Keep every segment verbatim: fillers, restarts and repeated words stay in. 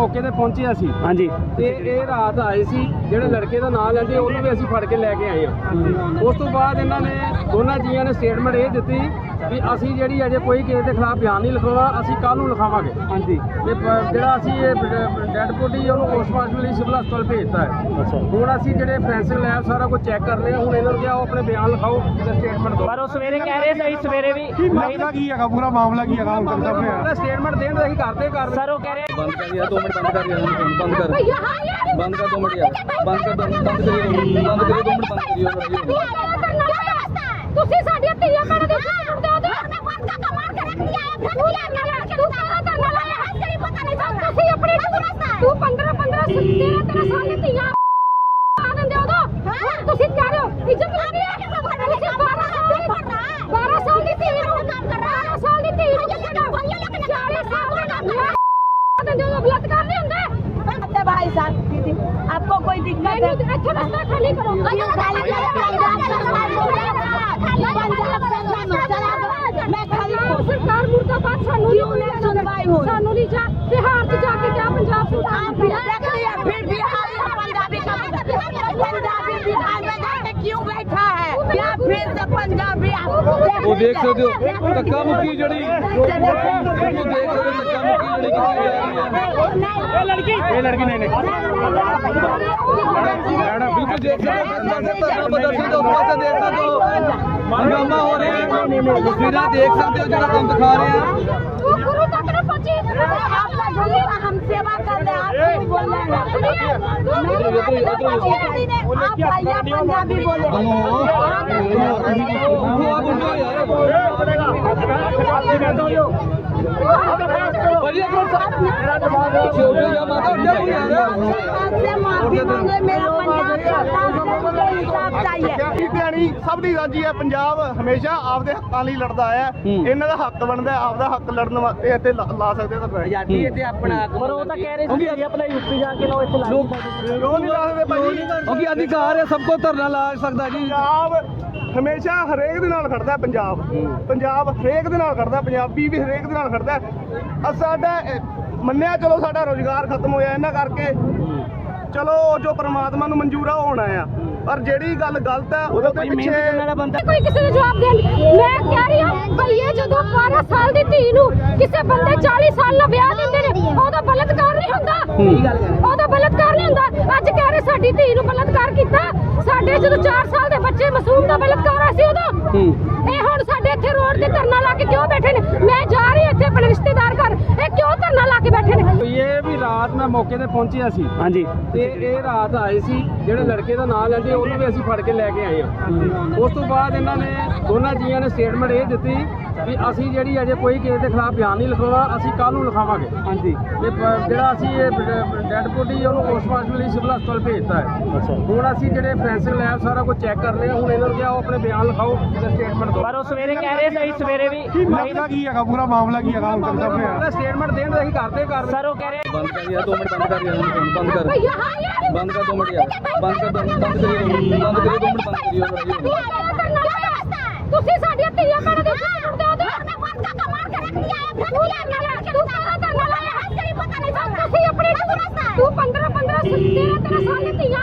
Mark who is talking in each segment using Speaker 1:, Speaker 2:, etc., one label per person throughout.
Speaker 1: मौके ते पहुंचे असी।
Speaker 2: हाँ जी।
Speaker 1: ते ये रात आए सी ਜਿਹੜੇ ਲੜਕੇ ਦਾ ਨਾਮ ਲੈਂਦੇ ਉਹਨੂੰ ਵੀ ਅਸੀਂ ਫੜ ਕੇ ਲੈ ਕੇ ਆਏ ਹਾਂ। ਉਸ ਤੋਂ ਬਾਅਦ ਇਹਨਾਂ ਨੇ ਦੋਨਾਂ ਜੀਆਂ ਨੇ ਸਟੇਟਮੈਂਟ ਇਹ ਦਿੱਤੀ ਵੀ ਅਸੀਂ ਜਿਹੜੀ ਅਜੇ ਕੋਈ ਕਿਸੇ ਦੇ ਖਿਲਾਫ ਬਿਆਨ ਨਹੀਂ ਲਿਖਾਉਣਾ, ਅਸੀਂ ਕੱਲ੍ਹ ਨੂੰ ਲਿਖਾਵਾਂਗੇ।
Speaker 2: ਹਾਂਜੀ।
Speaker 1: ਤੇ ਪ- ਜਿਹੜਾ ਅਸੀਂ ਇਹ ਡੈਡ ਬੋਡੀ ਉਹਨੂੰ ਪੋਸਟਮਾਰਟਮ ਲਈ ਸਿਵਲ ਹਸਪਤਾਲ ਭੇਜਤਾ ਹੈ।
Speaker 2: ਅੱਛਾ।
Speaker 1: ਹੁਣ ਅਸੀਂ ਜਿਹੜੇ ਫੋਰੈਂਸਿਕ ਲੈਬ ਸਾਰਾ ਕੁਝ ਚੈੱਕ ਕਰ ਰਹੇ ਹਾਂ। ਹੁਣ ਇਹਨਾਂ ਨੂੰ ਕਿਹਾ ਉਹ ਆਪਣੇ ਬਿਆਨ ਲਿਖਾਓ ਤੇ ਸਟੇਟਮੈਂਟ ਦਿਓ।
Speaker 2: ਪਰ ਉਹ ਸਵੇਰੇ ਕਹਿ ਰਹੇ ਸੀ ਸਵੇਰੇ ਵੀ
Speaker 3: ਮਾਮਲਾ ਕੀ ਹੈਗਾ, ਪੂਰਾ ਮਾਮਲਾ ਕੀ ਹੈਗਾ ਹੁਣ ਤੱਕ ਸਾਹਮਣੇ ਆਇਆ?
Speaker 1: ਸਟੇਟਮੈਂਟ ਦੇਣ ਦਾ ਅਸੀਂ ਕਰਦੇ ਕਰ
Speaker 2: ਸਰ ਉਹ ਕਹਿ ਰਹੇ
Speaker 4: बंद कर यार, दो मिनट बंद कर यार, बंद कर बंद कर दो मिनट यार, बंद कर दो मिनट, बंद करिए बंद करिए दो मिनट बंद करिए।
Speaker 5: ਤੁਸੀਂ ਸਾਡੀਆਂ ਧੀਆਂ ਭੈਣਾਂ ਦੇ ਸਾਥ ਦਿਓ ਤੇ ਮੈਂ ਬੰਦ ਕਾ ਮਾਰ ਕੇ ਰੱਖ ਲਿਆ ਹੈ। ਤੂੰ ਲੈ ਕੇ ਲੈ ਕੇ ਤੂੰ ਸਾਰਾ ਧਰਨਾ ਲਾਇਆ ਹੈ, ਤੇਰੀ ਪਤਾ ਨਹੀਂ ਚੱਲਦਾ। ਤੁਸੀਂ ਆਪਣੀ ਤੂੰ ਪੰਦਰਾਂ ਪੰਦਰਾਂ ਤੇਰਾਂ ਤੇਰਾਂ ਸਾਲ ਦੀ ਧੀਆਂ ਆ ਦਿੰਦੇ ਹੋ ਤਾਂ ਤੁਸੀਂ ਕਹਿ ਰਹੇ ਹੋ ਇੱਜ਼ਤ ਨਹੀਂ ਹੈ। ਬਾਰਾਂ ਸਾਲ ਦੀ ਬਾਰਾਂ ਸਾਲ ਦੀ ਧੀ ਨੂੰ ਕੰਮ ਕਰ ਰਹਾ ਹੈ, ਸਾਲ ਦੀ ਧੀ ਨੂੰ ਚਾਲੀ ਸਾਲ ਦਾ ਕੰਮ ਹੈ। बलात्कार नहीं होंगे भाई साहब। दीदी आपको कोई दिक्कत है? अच्छा रास्ता खाली करो। सरकार मुर्दाबाद सानू नहीं सुनवाई हो, सानू नहीं जा बिहार से जाके क्या पंजाब से फिर बिहार पंजाबी पंजाबी बिहार में जाके क्यों बैठा है? क्या फिर से पंजाबी
Speaker 4: वो देख सकते हो धक्का मुक्की जड़ी, वो देख सकते हो धक्का मुक्की जड़ी
Speaker 2: लड़की ये लड़की नहीं नहीं
Speaker 4: बिल्कुल देख सकते हो प्रदर्शन तो उसमें देख सकते हो हंगामा हो रहे हैं, तस्वीरें देख सकते हो जरा हम दिखा रहे हैं।
Speaker 5: गुरु तक न पहुंची, आप हम सेवा कर रहे हैं, आप बोल रहे हैं आप भैया पंजाबी बोले
Speaker 3: ਸਭ ਦੀ ਰਾਜੀ ਹੈ। ਪੰਜਾਬ ਹਮੇਸ਼ਾ ਆਪਦੇ ਹੱਕਾਂ ਲਈ ਲੜਦਾ ਆਇਆ। ਇਹਨਾਂ ਦਾ ਹੱਕ ਬਣਦਾ, ਆਪਦਾ ਹੱਕ ਲੜਨ ਵਾਸਤੇ ਇੱਥੇ ਲਾ ਲਾ ਸਕਦੇ ਤਾਂ
Speaker 2: ਆਜ਼ਾਦੀ ਇੱਥੇ ਆਪਣਾ ਪਰ ਉਹ ਤਾਂ ਕਹਿ ਰਹੇ ਸੀ ਜੀ ਆਪਣਾ ਯੂਪੀ ਜਾ ਕੇ ਲਓ ਇੱਥੇ ਲਾ
Speaker 3: ਕਿਉਂ ਨਹੀਂ ਲਾ ਸਕਦੇ ਭਾਈ?
Speaker 4: क्योंकि अधिकार है सबको धरना ला सकता जी।
Speaker 3: ਪੰਜਾਬ ਹਮੇਸ਼ਾ ਹਰੇਕ ਦੇ ਨਾਲ ਖੜਦਾ। ਪੰਜਾਬ ਪੰਜਾਬ ਹਰੇਕ ਦੇ ਨਾਲ ਖੜਦਾ, ਪੰਜਾਬੀ ਵੀ ਹਰੇਕ ਦੇ ਨਾਲ ਖੜਦਾ। ਅ ਸਾਡਾ ਅ, ਮੰਨਿਆ ਚਲੋ ਸਾਡਾ ਰੋਜ਼ਗਾਰ ਖਤਮ ਹੋਇਆ ਇਹਨਾਂ ਕਰਕੇ, ਚਲੋ ਜੋ ਪ੍ਰਮਾਤਮਾ ਨੂੰ ਮਨਜ਼ੂਰ ਆ ਉਹ ਹੋਣਾ ਆ, ਪਰ ਜਿਹੜੀ ਗੱਲ ਗਲਤ ਹੈ ਉਹਦੇ ਪਿੱਛੇ
Speaker 5: कोई किसी ने जवाब दे। मैं कह रही हूं भैया जो बारह साल की धी नूं किसी बंदे चालीस साल दा ब्याह दिंदे ने ओदा बलात्कार नहीं हुंदा, ओदा बलात्कार नहीं हुंदा। अज कह रहे साडी धी नूं बलात्कार कीता, साडे जदों चार साल दे बच्चे मासूम दा बलात्कार होया सी उदों ਇਹ ਹੁਣ ਸਾਡੇ ਇੱਥੇ ਰੋਡ ਤੇ ਧਰਨਾ ਲਾ ਕੇ ਕਿਉਂ ਬੈਠੇ ਨੇ? ਮੈਂ ਜਾ ਰਹੀ ਇੱਥੇ ਆਪਣੇ ਰਿਸ਼ਤੇਦਾਰ ਘਰ, ਇਹ ਕਿਉਂ ਧਰਨਾ ਲਾ ਕੇ ਬੈਠੇ ਨੇ?
Speaker 1: ਇਹ ਵੀ ਰਾਤ ਮੈਂ ਮੌਕੇ ਤੇ ਪਹੁੰਚਿਆ ਸੀ।
Speaker 2: हाँ जी।
Speaker 1: ਤੇ ਇਹ ਰਾਤ ਆਏ ਸੀ ਜਿਹੜੇ ਲੜਕੇ ਦਾ ਨਾਮ ਲੈਂਦੇ ਉਹਨੂੰ ਵੀ ਅਸੀਂ ਫੜ ਕੇ ਲੈ ਕੇ ਆਏ ਹਾਂ। ਉਸ ਤੋਂ ਬਾਅਦ ਇਹਨਾਂ ਨੇ ਦੋਨਾਂ ਜੀਆਂ ਨੇ ਸਟੇਟਮੈਂਟ ਇਹ ਦਿੱਤੀ ਵੀ ਅਸੀਂ ਜਿਹੜੀ ਅਜੇ ਕੋਈ ਕਿਸੇ ਦੇ ਖਿਲਾਫ ਬਿਆਨ ਨਹੀਂ ਲਿਖਾਉਣਾ, ਅਸੀਂ ਕੱਲ੍ਹ ਨੂੰ ਲਿਖਾਵਾਂਗੇ।
Speaker 2: ਹਾਂਜੀ।
Speaker 1: ਤੇ ਪ- ਜਿਹੜਾ ਅਸੀਂ ਇਹ ਡੈਡ ਬੋਡੀ ਉਹਨੂੰ ਪੋਸਟਮਾਰਟਮ ਲਈ ਸਿਵਲ ਹਸਪਤਾਲ ਭੇਜਤਾ ਹੈ।
Speaker 2: ਅੱਛਾ।
Speaker 1: ਹੁਣ ਅਸੀਂ ਜਿਹੜੇ ਫੋਰੈਂਸਿਕ ਲੈਬ ਸਾਰਾ ਕੁਝ ਚੈੱਕ ਕਰ ਰਹੇ ਹਾਂ। ਹੁਣ ਇਹਨਾਂ ਨੂੰ ਕਿਹਾ ਉਹ ਆਪਣੇ ਬਿਆਨ ਲਿਖਾਓ ਤੇ ਸਟੇਟਮੈਂਟ ਦਿਓ।
Speaker 2: ਪਰ ਉਹ ਸਵੇਰੇ ਕਹਿ ਰਹੇ ਸੀ ਸਵੇਰੇ ਵੀ
Speaker 3: ਮਾਮਲਾ ਕੀ ਹੈਗਾ, ਪੂਰਾ ਮਾਮਲਾ ਕੀ ਹੈਗਾ ਹੁਣ ਤੱਕ ਸਾਹਮਣੇ ਆਇਆ?
Speaker 1: ਸਟੇਟਮੈਂਟ ਦੇਣ ਦਾ ਅਸੀਂ ਕਰਦੇ ਕਰ
Speaker 2: ਸਰ ਉਹ ਕਹਿ ਰਹੇ
Speaker 4: बंद कर यार, दो मिनट बंद कर यार, बंद कर
Speaker 5: भैया हाँ यार
Speaker 4: बंद कर दो मिनट यार, बंद कर दो बंद करिए बंद करिए दो मिनट बंद करिए।
Speaker 5: ਤੁਸੀਂ ਸਾਡੀਆਂ ਧੀਆਂ ਭੈਣਾਂ ਦੇ ਸਾਥ ਦਿਓ ਤੇ ਮੈਂ ਬੰਦ ਕਾ ਮਾਰ ਕੇ ਰੱਖ ਲਿਆ ਹੈ। ਤੂੰ ਲੈ ਕੇ ਲੈ ਕੇ ਤੂੰ ਸਾਰਾ ਧਰਨਾ ਲਾਇਆ ਹੈ, ਤੇਰੀ ਪਤਾ ਨਹੀਂ ਚੱਲਦਾ। ਤੁਸੀਂ ਆਪਣੀ ਤੂੰ ਪੰਦਰਾਂ ਪੰਦਰਾਂ ਤੇਰਾਂ ਤੇਰਾਂ ਸਾਲ ਦੀ ਧੀਆਂ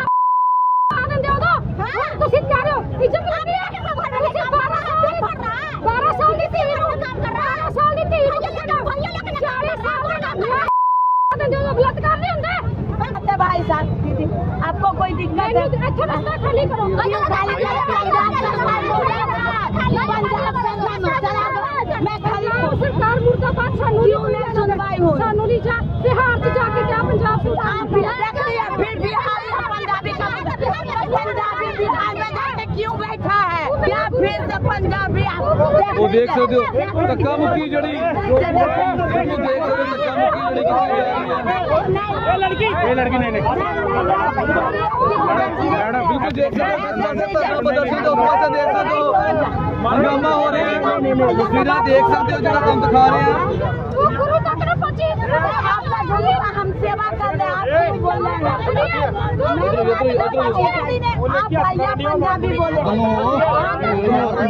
Speaker 5: ਆ ਦਿੰਦੇ ਹੋ ਤਾਂ ਤੁਸੀਂ ਕਹਿ ਰਹੇ ਹੋ ਇੱਜ਼ਤ ਨਹੀਂ ਹੈ। ਤੁਸੀਂ ਬਾਰਾਂ ਸਾਲ ਦੀ ਬਾਰਾਂ ਸਾਲ ਦੀ ਧੀ ਨੂੰ ਕੰਮ ਕਰ ਰਹਾ ਹੈ, ਸਾਲ ਦੀ ਧੀ ਨੂੰ ਚਾਲੀ ਸਾਲ ਦਾ ਕੰਮ ਹੈ। बलात्कार नहीं होंगे भाई साहब। दीदी आपको कोई दिक्कत है? अच्छा रास्ता खाली करो। सरकार मुर्दाबाद सानू नहीं सुनवाई हो, सानू नहीं जा बिहार से जाके क्या पंजाब से फिर बिहार पंजाबी पंजाबी बिहार में जाके क्यों बैठा है? क्या फिर से पंजाबी
Speaker 4: वो देख सकते हो धक्का मुक्की जड़ी, वो देख सकते हो धक्का मुक्की जड़ी
Speaker 2: लड़की ये लड़की नहीं नहीं
Speaker 4: बिल्कुल देख सकते हो प्रदर्शन तो उसमें देख सकते हो हंगामा हो रहे हैं, तस्वीरें देख सकते हो जरा हम दिखा रहे हैं।
Speaker 5: गुरु तक न पहुंची, आप हम सेवा कर रहे हैं, आप बोल रहे हैं आप भैया पंजाबी बोले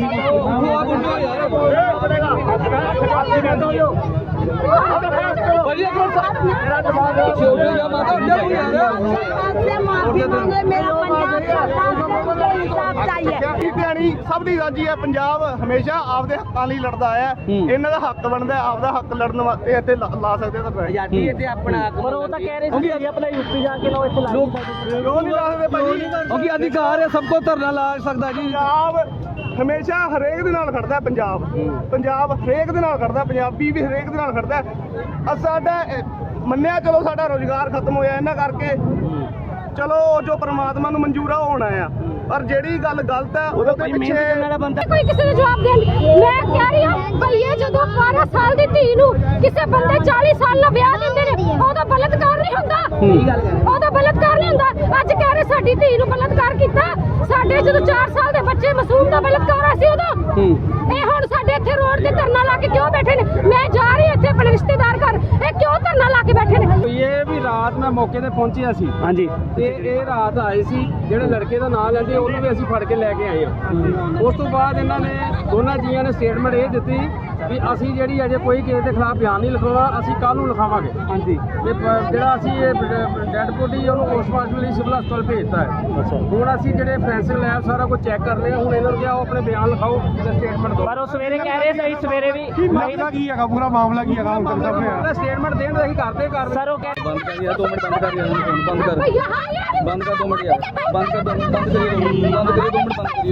Speaker 4: वो आप उनको यार ਭਾਜੀ ਇੱਕ ਮਿੰਟ ਮੇਰਾ ਦਿਮਾਗ ਛੋਟੇ ਜਿਹਾ ਮਾਤਾ ਉੱਠ ਜਾ ਤੂੰ ਯਾਰ
Speaker 6: आपसे माफी मांगे मेरा पंजाब सरकार से मुझे इंसाफ चाहिए
Speaker 3: ਧਿਆਣੀ ਸਭ ਦੀ ਰਾਜੀ ਹੈ। ਪੰਜਾਬ ਹਮੇਸ਼ਾ ਆਪਦੇ ਹੱਕਾਂ ਲਈ ਲੜਦਾ ਆਇਆ। ਇਹਨਾਂ ਦਾ ਹੱਕ ਬਣਦਾ ਹੈ, ਆਪਦਾ ਹੱਕ ਲੜਨ ਵਾਸਤੇ ਇੱਥੇ ਲਾ ਲਾ ਸਕਦੇ ਤਾਂ
Speaker 2: ਆਜ਼ਾਦੀ ਇੱਥੇ ਆਪਣਾ ਪਰ ਉਹ ਤਾਂ ਕਹਿ ਰਹੇ ਸੀ ਜੀ ਆਪਣਾ ਯੂਪੀ ਜਾ ਕੇ ਲਓ ਇੱਥੇ ਲਾ
Speaker 4: ਲੋਕ
Speaker 3: ਕਿਉਂ ਨਹੀਂ ਲਾ ਸਕਦੇ ਭਾਜੀ?
Speaker 4: ਕਿਉਂਕਿ ਅਧਿਕਾਰ ਹੈ ਸਭ ਕੋ ਧਰਨਾ ਲਾ ਸਕਦਾ ਜੀ
Speaker 3: ਪੰਜਾਬ ਹਮੇਸ਼ਾ ਹਰੇਕ ਦੇ ਨਾਲ ਖੜਦਾ ਹੈ। ਪੰਜਾਬ ਪੰਜਾਬ ਹਰੇਕ ਦੇ ਨਾਲ ਖੜਦਾ, ਪੰਜਾਬੀ ਵੀ ਹਰੇਕ ਦੇ ਨਾਲ ਖੜਦਾ। ਅ ਸਾਡਾ ਅ, ਮੰਨਿਆ ਚਲੋ ਸਾਡਾ ਰੋਜ਼ਗਾਰ ਖਤਮ ਹੋਇਆ ਇਹਨਾਂ ਕਰਕੇ, ਚਲੋ ਜੋ ਪ੍ਰਮਾਤਮਾ ਨੂੰ ਮਨਜ਼ੂਰ ਆ ਉਹ ਹੋਣਾ ਆ, ਪਰ ਜਿਹੜੀ ਗੱਲ ਗਲਤ ਹੈ ਉਹਦੇ ਤੇ ਪਿੱਛੇ
Speaker 5: ਕੋਈ ਕਿਸੇ ਨੂੰ ਜਵਾਬ ਦੇਣ ਮੈਂ ਕਹਿ ਰਹੀ ਹਾਂ ਭਈ ਇਹ ਜਦੋਂ ਬਾਰਾਂ ਸਾਲ ਦੀ ਧੀ ਨੂੰ ਕਿਸੇ ਬੰਦੇ ਚਾਲੀ ਸਾਲ ਦਾ ਵਿਆਹ ਦਿੰਦੇ ਨੇ ਉਹਦਾ ਬਲਤਕਾਰ ਨਹੀਂ ਹੁੰਦਾ। ਉਹਦਾ ਬਲਤਕਾਰ ਨਹੀਂ ਹੁੰਦਾ। ਅੱਜ ਕਹਿ ਰਹੇ ਸਾਡੀ ਧੀ ਨੂੰ ਬਲਤਕਾਰ ਕੀਤਾ। ਸਾਡੇ ਜਦੋਂ ਚਾਰ ਸਾਲ ਦੇ ਬੱਚੇ ਮਾਸੂਮ ਦਾ ਬਲਤਕਾਰ ਹੋਇਆ ਸੀ ਉਦੋਂ ਇਹ ਹੁਣ ਸਾਡੇ ਇੱਥੇ ਰੋਡ ਤੇ ਧਰਨਾ ਲਾ ਕੇ ਕਿਉਂ ਬੈਠੇ ਨੇ? ਮੈਂ ਜਾ ਰਹੀ ਇੱਥੇ ਆਪਣੇ ਰਿਸ਼ਤੇਦਾਰ ਘਰ, ਇਹ ਕਿਉਂ ਧਰਨਾ ਲਾ ਕੇ ਬੈਠੇ ਨੇ?
Speaker 1: ਇਹ ਵੀ ਰਾਤ ਮੈਂ ਮੌਕੇ ਤੇ ਪਹੁੰਚਿਆ ਸੀ
Speaker 2: ਹਾਂਜੀ
Speaker 1: ਤੇ ਇਹ ਰਾਤ ਆਏ ਸੀ ਜਿਹੜੇ ਲੜਕੇ ਦਾ ਨਾਂ ਲੈਂਦੇ ਉਹਨੂੰ ਵੀ ਅਸੀਂ ਫੜ ਕੇ ਲੈ ਕੇ ਆਏ ਹਾਂ। ਉਸ ਤੋਂ ਬਾਅਦ ਇਹਨਾਂ ਨੇ ਦੋਨਾਂ ਜੀਆਂ ਨੇ ਸਟੇਟਮੈਂਟ ਇਹ ਦਿੱਤੀ ਵੀ ਅਸੀਂ ਜਿਹੜੀ ਅਜੇ ਕੋਈ ਕਿਸੇ ਦੇ ਖਿਲਾਫ ਬਿਆਨ ਨਹੀਂ ਲਿਖਾਉਣਾ, ਅਸੀਂ ਕੱਲ ਨੂੰ ਲਿਖਾਵਾਂਗੇ।
Speaker 2: ਹਾਂਜੀ
Speaker 1: ਤੇ ਪ- ਜਿਹੜਾ ਅਸੀਂ ਇਹ ਡੈਡ ਬੋਡੀ ਉਹਨੂੰ ਪੋਸਟਮਾਰਟਮ ਲਈ ਸਿਵਲ ਹਸਪਤਾਲ ਭੇਜਤਾ ਹੈ।
Speaker 2: ਅੱਛਾ
Speaker 1: ਹੁਣ ਅਸੀਂ ਜਿਹੜੇ ਫੈਂਸਿੰਗ ਲੈਬ ਸਾਰਾ ਕੁਝ ਚੈੱਕ ਕਰ ਰਹੇ ਹਾਂ। ਹੁਣ ਇਹਨਾਂ ਨੂੰ ਕਿਹਾ ਉਹ ਆਪਣੇ ਬਿਆਨ ਲਿਖਾਓ ਤੇ ਸਟੇਟਮੈਂਟ ਦਿਓ।
Speaker 2: ਪਰ ਉਹ ਸਵੇਰੇ ਕਹਿ ਰਹੇ ਸੀ ਸਵੇਰੇ ਵੀ
Speaker 3: ਮਾਮਲਾ ਕੀ ਹੈਗਾ, ਪੂਰਾ ਮਾਮਲਾ ਕੀ ਹੈਗਾ ਹੁਣ ਤੱਕ ਸਾਹਮਣੇ
Speaker 1: ਸਟੇਟਮੈਂਟ ਦੇਣ ਦਾ ਅਸੀਂ ਕਰਦੇ ਕਰ
Speaker 2: ਸਰ ਉਹ ਕਹਿ
Speaker 4: ਬੰਦ ਕਰ ਯਾਰ ਦੋ ਮਿੰਟ ਬੰਦ ਕਰ ਯਾਰ ਬੰਦ ਕਰ
Speaker 5: ਭਈ ਹਾਂ ਯਾਰ
Speaker 4: ਬੰਦ ਕਰ ਦੋ ਮਿੰਟ ਯਾਰ ਬੰਦ ਕਰ ਦੋ ਮਿੰਟ ਬੰਦ ਕਰੀਏ ਬੰਦ ਕਰੀਏ ਦੋ ਮਿੰਟ ਬੰਦ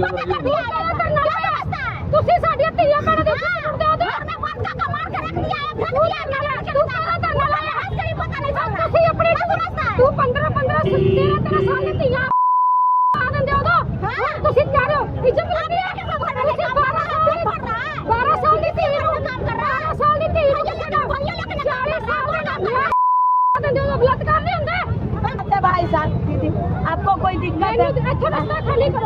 Speaker 4: ਕਰੀਏ
Speaker 5: ਤੁਸੀਂ ਸਾਡੀਆਂ ਧੀਆਂ ਭੈਣਾਂ ਦੇ ਉੱਤੇ ਸੁਣਦੇ ਹੋ ਤੇ ਬੰਦ ਕਾ ਮਾਰ ਕੇ ਰੱਖ ਲਿਆ ਹੈ। ਤੂੰ ਲੈ ਲੈ ਤੂੰ ਸਾਰਾ ਧਰਨਾ ਲਾਇਆ ਹੈ, ਤੇਰੀ ਪਤਾ ਨਹੀਂ ਚੱਲਦਾ। ਤੁਸੀਂ ਆਪਣੀ ਤੂੰ ਪੰਦਰਾਂ ਪੰਦਰਾਂ ਤੇਰਾਂ ਤੇਰਾਂ ਸਾਲ ਦੀ ਧੀਆਂ ਆ ਦਿੰਦੇ ਹੋ ਤਾਂ ਤੁਸੀਂ ਕਹਿ ਰਹੇ ਹੋ ਇੱਜ਼ਤ ਲੱਗ ਰਹੀ ਹੈ। ਤੁਸੀਂ ਬਾਰਾਂ ਸਾਲ ਦੀ ਬਾਰਾਂ ਸਾਲ ਦੀ ਧੀ ਨੂੰ ਕੰਮ ਕਰ ਰਹਾ ਬਾਰਾਂ ਸਾਲ ਦੀ ਧੀ ਨੂੰ ਚਾਲੀ ਸਾਲ ਦਾ ਕੰਮ ਆ ਦਿੰਦੇ ਹੋ, ਬਲਾਤਕਾਰ ਨਹੀਂ ਹੁੰਦਾ।
Speaker 6: भाई साहब दीदी आपको कोई दिक्कत है?
Speaker 5: ਇੱਥੇ ਰਸਤਾ ਖਾਲੀ ਕਰੋ।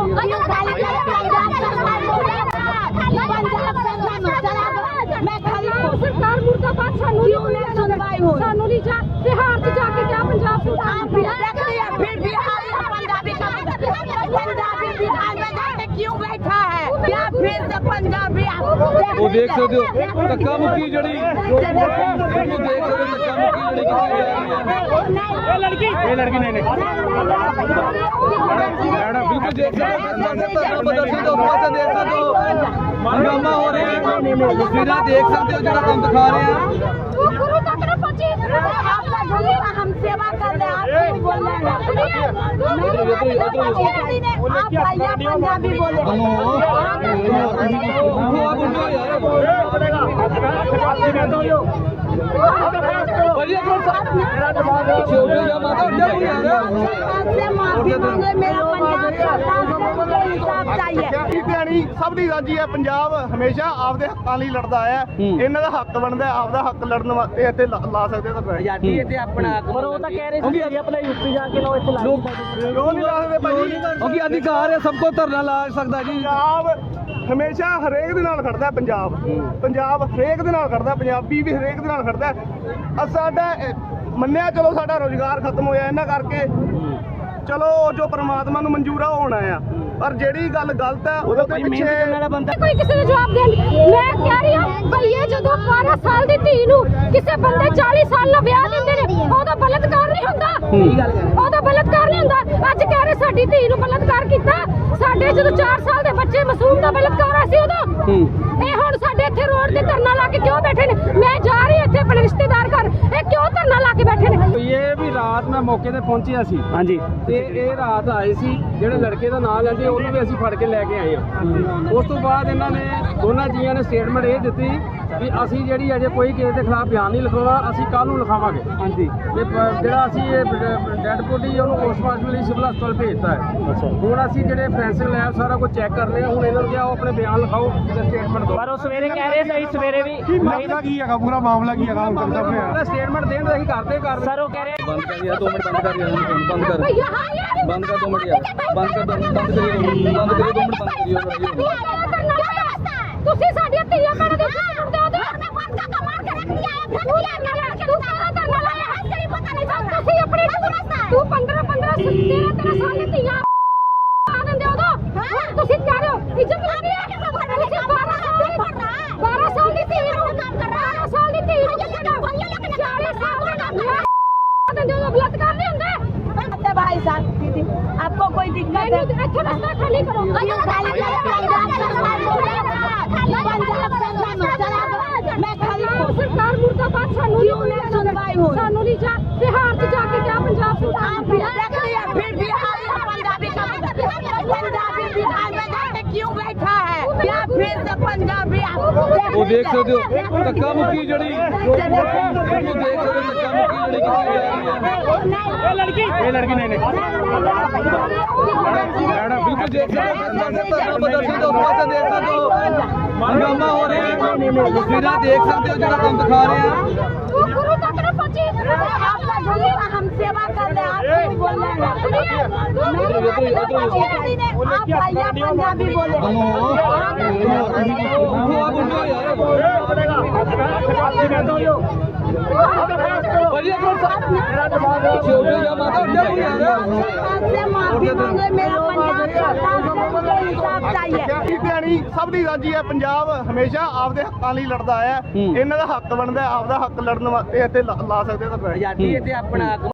Speaker 6: मैं खाली
Speaker 5: ਸਰਕਾਰ ਮੁਰਦਾਬਾਦ ਸਾਨੂੰ
Speaker 6: क्यों नहीं सुनवाई हो?
Speaker 5: ਸਾਨੂੰ नहीं जा बिहार से जाके क्या पंजाब से
Speaker 6: आप बिहार रख लिया, फिर बिहार में पंजाबी का पंजाबी बिहार में जाके क्यों बैठा है? क्या फिर से पंजाबी
Speaker 4: ਉਹ ਦੇਖ ਸਕਦੇ ਹੋ ਧੱਕਾ ਮੁੱਕੀ ਜਿਹੜੀ ਉਹ ਦੇਖ ਸਕਦੇ ਹੋ ਧੱਕਾ ਮੁੱਕੀ ਜਿਹੜੀ
Speaker 6: ये लड़की
Speaker 1: ਇਹ ਲੜਕੀ ਨਹੀਂ ਨਹੀਂ
Speaker 4: ਬਿਲਕੁਲ ਦੇਖ ਸਕਦੇ ਹੋ ਧਰਨਾ ਪ੍ਰਦਰਸ਼ਨ ਦੇ ਉਸ ਪਾਸੇ ਦੇਖ ਸਕਦੇ ਹੋ ਹੰਗਾਮਾ ਹੋ ਰਿਹਾ ਹੈ ਤਸਵੀਰਾਂ ਦੇਖ ਸਕਦੇ ਹੋ ਜਿਹੜਾ ਤੁਹਾਨੂੰ ਦਿਖਾ ਰਹੇ ਆ
Speaker 5: तू गुरु तक न पहुंची
Speaker 6: आपका गुरु का हम सेवा कर रहे हैं, आप क्यों बोल रहे हैं? आप भैया पंजाबी बोले
Speaker 4: ਭਾਜੀ ਇੱਕ ਮਿੰਟ ਮੇਰਾ ਦਿਮਾਗ ਛੋਟੇ ਜਿਹਾ ਮਾਤਾ ਉੱਠ ਜਾ ਤੂੰ ਯਾਰ
Speaker 6: आपसे माफी मांगे मेरा पंजाब सरकार से मुझे इंसाफ चाहिए
Speaker 3: ਧਿਆਣੀ ਸਭ ਦੀ ਰਾਜੀ ਹੈ। ਪੰਜਾਬ ਹਮੇਸ਼ਾ ਆਪਦੇ ਹੱਕਾਂ ਲਈ ਲੜਦਾ ਆਇਆ। ਇਹਨਾਂ ਦਾ ਹੱਕ ਬਣਦਾ ਹੈ, ਆਪਦਾ ਹੱਕ ਲੜਨ ਵਾਸਤੇ ਇੱਥੇ ਲਾ ਲਾ ਸਕਦੇ ਤਾਂ
Speaker 2: ਆਜ਼ਾਦੀ ਇੱਥੇ ਆਪਣਾ ਪਰ ਉਹ ਤਾਂ ਕਹਿ ਰਹੇ ਸੀ ਜੀ ਆਪਣਾ ਯੂਪੀ ਜਾ ਕੇ ਲਓ ਇੱਥੇ ਲਾ
Speaker 4: ਲੋਕ
Speaker 3: ਕਿਉਂ ਨਹੀਂ ਲਾ ਸਕਦੇ ਭਾਜੀ?
Speaker 4: ਕਿਉਂਕਿ ਅਧਿਕਾਰ ਹੈ ਸਭ ਕੋ ਧਰਨਾ ਲਾ ਸਕਦਾ ਜੀ
Speaker 3: ਪੰਜਾਬ ਹਮੇਸ਼ਾ ਹਰੇਕ ਦੇ ਨਾਲ ਖੜਦਾ ਹੈ। ਪੰਜਾਬ ਪੰਜਾਬ ਹਰੇਕ ਦੇ ਨਾਲ ਖੜਦਾ, ਪੰਜਾਬੀ ਵੀ ਹਰੇਕ ਦੇ ਨਾਲ ਖੜਦਾ। ਅ ਸਾਡਾ ਅ, ਮੰਨਿਆ ਚਲੋ ਸਾਡਾ ਰੋਜ਼ਗਾਰ ਖਤਮ ਹੋਇਆ ਇਹਨਾਂ ਕਰਕੇ, ਚਲੋ ਜੋ ਪ੍ਰਮਾਤਮਾ ਨੂੰ ਮਨਜ਼ੂਰ ਆ ਉਹ ਹੋਣਾ ਆ, ਪਰ ਜਿਹੜੀ ਗੱਲ ਗਲਤ ਹੈ ਉਹਦੇ ਤੇ ਪਿੱਛੇ
Speaker 5: ਕੋਈ ਕਿਸੇ ਨੂੰ ਜਵਾਬ ਦੇਣ ਮੈਂ ਕਹਿ ਰਹੀ ਹਾਂ ਭਈ ਇਹ ਜਦੋਂ ਬਾਰਾਂ ਸਾਲ ਦੀ ਧੀ ਨੂੰ ਕਿਸੇ ਬੰਦੇ ਚਾਲੀ ਸਾਲ ਦਾ ਵਿਆਹ ਦਿੰਦੇ ਨੇ ਉਹਦਾ ਬਲਤਕਾਰ ਨਹੀਂ ਹੁੰਦਾ। ਉਹਦਾ ਬਲਤਕਾਰ ਨਹੀਂ ਹੁੰਦਾ। ਅੱਜ ਕਹਿ ਰਹੇ ਸਾਡੀ ਧੀ ਨੂੰ ਬਲਤਕਾਰ ਕੀਤਾ। ਸਾਡੇ ਜਦੋਂ ਚਾਰ ਸਾਲ ਦੇ ਬੱਚੇ ਮਾਸੂਮ ਦਾ ਬਲਤਕਾਰ ਹੋਇਆ ਸੀ ਉਦੋਂ ਇਹ ਹੁਣ ਸਾਡੇ ਇੱਥੇ ਰੋਡ ਤੇ ਧਰਨਾ ਲਾ ਕੇ ਕਿਉਂ ਬੈਠੇ ਨੇ? ਮੈਂ ਜਾ ਰਹੀ ਇੱਥੇ ਆਪਣੇ ਰਿਸ਼ਤੇਦਾਰ ਘਰ, ਇਹ ਕਿਉਂ ਧਰਨਾ ਲਾ ਕੇ ਬੈਠੇ ਨੇ?
Speaker 1: ਇਹ ਵੀ ਰਾਤ ਮੈਂ ਮੌਕੇ ਤੇ ਪਹੁੰਚਿਆ ਸੀ
Speaker 2: ਹਾਂਜੀ
Speaker 1: ਤੇ ਇਹ ਰਾਤ ਆਏ ਸੀ ਜਿਹੜੇ ਲੜਕੇ ਦਾ ਨਾਂ ਲੈਂਦੇ ਉਹਨੂੰ ਵੀ ਅਸੀਂ ਫੜ ਕੇ ਲੈ ਕੇ ਆਏ ਹਾਂ। ਉਸ ਤੋਂ ਬਾਅਦ ਇਹਨਾਂ ਨੇ ਦੋਨਾਂ ਜੀਆਂ ਨੇ ਸਟੇਟਮੈਂਟ ਇਹ ਦਿੱਤੀ ਵੀ ਅਸੀਂ ਜਿਹੜੀ ਅਜੇ ਕੋਈ ਕਿਸੇ ਦੇ ਖਿਲਾਫ ਬਿਆਨ ਨਹੀਂ ਲਿਖਾਉਣਾ, ਅਸੀਂ ਕੱਲ ਨੂੰ ਲਿਖਾਵਾਂਗੇ।
Speaker 2: ਹਾਂਜੀ
Speaker 1: ਤੇ ਪ- ਜਿਹੜਾ ਅਸੀਂ ਇਹ ਡੈਡ ਬੋਡੀ ਉਹਨੂੰ ਪੋਸਟਮਾਰਟਮ ਲਈ ਸਿਵਲ ਹਸਪਤਾਲ ਭੇਜਤਾ ਹੈ।
Speaker 2: ਅੱਛਾ
Speaker 1: ਹੁਣ ਅਸੀਂ ਜਿਹੜੇ ਫੈਂਸਿੰਗ ਲੈਬ ਸਾਰਾ ਕੁਝ ਚੈੱਕ ਕਰ ਰਹੇ ਹਾਂ। ਹੁਣ ਇਹਨਾਂ ਨੂੰ ਕਿਹਾ ਉਹ ਆਪਣੇ ਬਿਆਨ ਲਿਖਾਓ ਤੇ ਸਟੇਟਮੈਂਟ ਦਿਓ।
Speaker 2: ਪਰ ਉਹ ਸਵੇਰੇ ਕਹਿ ਰਹੇ ਸੀ ਸਵੇਰੇ ਵੀ
Speaker 3: ਮਾਮਲਾ ਕੀ ਹੈਗਾ, ਪੂਰਾ ਮਾਮਲਾ ਕੀ ਹੈਗਾ ਹੁਣ ਤੱਕ ਸਾਹਮਣੇ
Speaker 1: ਸਟੇਟਮੈਂਟ ਦੇਣ ਦਾ ਅਸੀਂ ਕਰਦੇ ਕਰ
Speaker 2: ਸਰ ਉਹ ਕਹਿ ਰਹੇ
Speaker 4: ਬੰਦ ਕਰ ਯਾਰ ਦੋ ਮਿੰਟ ਬੰਦ ਕਰ ਯਾਰ ਬੰਦ ਕਰ
Speaker 5: ਭਈ ਹਾਂ ਯਾਰ
Speaker 4: ਬੰਦ ਕਰ ਦੋ ਮਿੰਟ ਯਾਰ ਬੰਦ ਕਰ ਦੋ ਬੰਦ ਕਰੀਏ ਬੰਦ ਕਰੀਏ ਦੋ ਮਿੰਟ ਬੰਦ ਕਰੀਏ
Speaker 5: ਤੁਸੀਂ ਸਾਡੀਆਂ ਧੀਆਂ ਭੈਣਾਂ ਦੇ ਉੱਤੇ ਸੁਣਦੇ ਹੋ ਤੇ ਬੰਦ ਕਾ ਮਾਰ ਕੇ ਰੱਖ ਲਿਆ ਹੈ। ਤੂੰ ਲੈ ਲੈ ਤੂੰ ਸਾਰਾ ਧਰਨਾ ਲਾਇਆ ਹੈ, ਤੇਰੀ ਪਤਾ ਨਹੀਂ ਚੱਲਦਾ। ਤੁਸੀਂ ਆਪਣੀ ਤੂੰ ਪੰਦਰਾਂ ਪੰਦਰਾਂ ਤੇਰਾਂ ਤੇਰਾਂ ਸਾਲ ਦੀ ਧੀਆਂ ਆ ਦਿੰਦੇ ਹੋ ਤਾਂ ਤੁਸੀਂ ਕਹਿ ਰਹੇ ਹੋ ਇੱਜ਼ਤ ਲੱਗ ਰਹੀ ਹੈ। ਤੁਸੀਂ ਬਾਰਾਂ ਸਾਲ ਦੀ ਬਾਰਾਂ ਸਾਲ ਦੀ ਧੀ ਨੂੰ ਕੰਮ ਕਰ ਰਹਾ ਬਾਰਾਂ ਸਾਲ ਦੀ ਧੀ ਨੂੰ ਚਾਲੀ ਸਾਲ
Speaker 6: आपको कोई दिक्कत है?
Speaker 5: अच्छा रास्ता खाली करो
Speaker 6: क्यों खाली करो? पंजाब सरकार बोले ना, पंजाब सरकार चला दो। मैं खाली
Speaker 5: सरकार मुर्दाबाद सानू
Speaker 6: क्यों नहीं सुनवाई हुई?
Speaker 5: सानू नहीं जा बिहार से जाके क्या पंजाब से
Speaker 6: आप देख लिया, फिर बिहार में पंजाबी का पंजाबी बिहार में जाके क्यों बैठा है? क्या फिर से पंजाबी
Speaker 4: ਉਹ ਦੇਖ ਸਕਦੇ ਹੋ ਧੱਕਾ ਮੁੱਕੀ ਜਿਹੜੀ ਉਹ ਦੇਖ ਸਕਦੇ ਹੋ ਧੱਕਾ ਮੁੱਕੀ ਜਿਹੜੀ ਕੀਤੀ ਜਾ ਰਹੀ ਹੈ
Speaker 1: ਇਹ ਲੜਕੀ ਇਹ ਲੜਕੀ ਨਹੀਂ ਨਹੀਂ
Speaker 4: ਮੈਡਮ ਬਿਲਕੁਲ ਦੇਖ ਸਕਦੇ ਹੋ ਧਰਨਾ ਪ੍ਰਦਰਸ਼ਨ ਦੇ ਉਸ ਪਾਸੇ ਦੇਖ ਸਕਦੇ ਹੋ ਹੰਗਾਮਾ ਹੋ ਰਿਹਾ ਹੈ ਤਸਵੀਰਾਂ ਦੇਖ ਸਕਦੇ ਹੋ ਜਿਹੜਾ ਤੁਹਾਨੂੰ ਦਿਖਾ ਰਹੇ ਆ
Speaker 5: तू गुरु तक न पहुंची
Speaker 6: आप गुरु हम सेवा कर रहे हैं, आप क्यों बोल रहे हैं? आप भैया पंजाबी बोले
Speaker 4: ਉਹ ਆ ਮੁੰਡਾ ਯਾਰ ਭਾਈ ਇੱਕ ਮਿੰਟ ਛੋਟੇ ਜਿਹਾ ਮਾਤਾ ਉੱਠਿਆ ਕੋਈ ਯਾਰ
Speaker 6: आपसे माफी मांगे, मेरा पंजाब सरकार से मुझे इंसाफ चाहिए।
Speaker 3: ਕੀ ਭੈਣੀ ਸਭ ਦੀ ਰਾਜੀ ਹੈ। ਪੰਜਾਬ ਹਮੇਸ਼ਾ ਆਪਦੇ ਹੱਕਾਂ ਲਈ ਲੜਦਾ ਆਇਆ। ਇਹਨਾਂ ਦਾ ਹੱਕ ਬਣਦਾ, ਆਪਦਾ ਹੱਕ ਲੜਨ ਵਾਸਤੇ ਇੱਥੇ ਲਾ ਲਾ ਸਕਦੇ ਤਾਂ
Speaker 4: ਆਜ਼ਾਦੀ ਤੇ ਆਪਣਾ